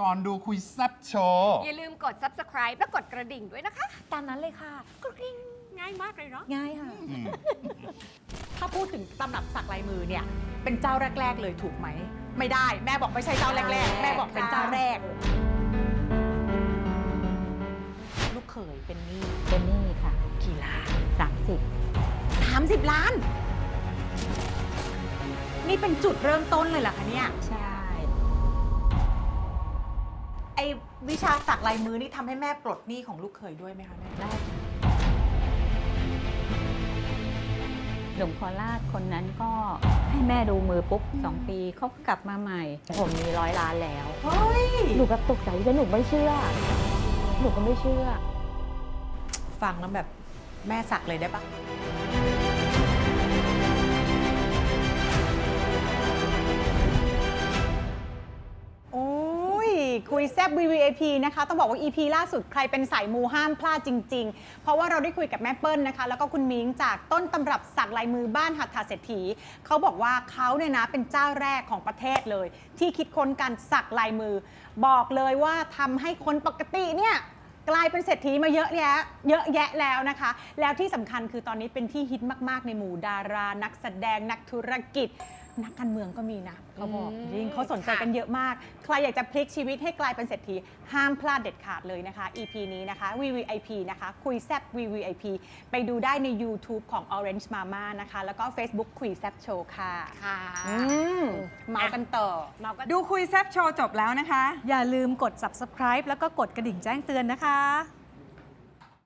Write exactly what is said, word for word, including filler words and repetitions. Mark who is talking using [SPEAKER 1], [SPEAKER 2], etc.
[SPEAKER 1] ก่อนดูคุยแซ่บโชว์
[SPEAKER 2] อย่าลืมกด ซับสไครบ์ และกดกระดิ่งด้วยนะคะ
[SPEAKER 3] ตามนั้นเลยค่ะกริ๊ง
[SPEAKER 2] ง่ายมากเลยเนาะ
[SPEAKER 3] ง่ายค่ะ
[SPEAKER 4] ถ้าพูดถึงตำรับสักลายมือเนี่ยเป็นเจ้าแรก ๆ เลยถูกไหม ไม่ได้แม่บอกไม่ใช่เจ้าแรก ๆ แม่บอกเป็นเจ้าแรก ลูกเขยเป็นหนี้
[SPEAKER 3] เป็นหนี้ค่ะ
[SPEAKER 4] กี่ล้าน
[SPEAKER 3] สามสิบ
[SPEAKER 4] สามสิบล้าน นี่เป็นจุดเริ่มต้นเลยเหรอคะเนี่ย
[SPEAKER 3] ใช่
[SPEAKER 4] ไอ้วิชาสักลายมือนี่ทำให้แม่ปลดหนี้ของลูกเขยด้วยไหมคะแม่
[SPEAKER 3] ได้หนุ่มโคราชคนนั้นก็ให้แม่ดูมือปุ๊บสองปีเขาก็กลับมาใหม่ ผมมีร้อยล้านแล้ว
[SPEAKER 4] เฮ้ย
[SPEAKER 3] หนูแบบตกใจแล้วหนูไม่เชื่อ หนูก็ไม่เชื่อ
[SPEAKER 4] ฟังแล้วแบบแม่สักเลยได้ปะโอ้ยคุยแซบ วี วี ไอ พี นะคะ ต้องบอกว่า อี พี ล่าสุดใครเป็นสายมูห้ามพลาดจริง ๆ เพราะว่าเราได้คุยกับแม่เปิ้ลนะคะ แล้วก็คุณมิ้งจากต้นตำรับสักลายมือบ้านหัตถเศรษฐีเขาบอกว่าเขาเนี่ยนะเป็นเจ้าแรกของประเทศเลย ที่คิดค้นการสักลายมือ บอกเลยว่าทำให้คนปกติเนี่ยกลายเป็นเศรษฐีมาเยอะแยะเยอะแยะแล้วนะคะ แล้วที่สำคัญคือตอนนี้เป็นที่ฮิตมากๆในหมู่ดารา นักแสดงนักธุรกิจ นักการเมืองก็มีนะเขาบอก
[SPEAKER 2] อืม
[SPEAKER 4] จริงเขาสนใจกันเยอะมาก ใครอยากจะพลิกชีวิตให้กลายเป็นเศรษฐีห้ามพลาดเด็ดขาดเลยนะคะ อี พี นี้นะคะ วี วี ไอ พี นะคะ คุยแซบ วี วี ไอ พี ไปดูได้ใน YouTube ของ Orange Mama นะคะ แล้วก็ Facebook คุยแซบโชว์ค่ะ
[SPEAKER 2] ค่ะ
[SPEAKER 4] อืมเมากันต่อ
[SPEAKER 2] เมาก็
[SPEAKER 5] ดูคุยแซบโชว์จบแล้วนะคะ
[SPEAKER 6] อย่าลืมกด ซับสไครบ์ แล้วก็กดกระดิ่งแจ้งเตือนนะคะ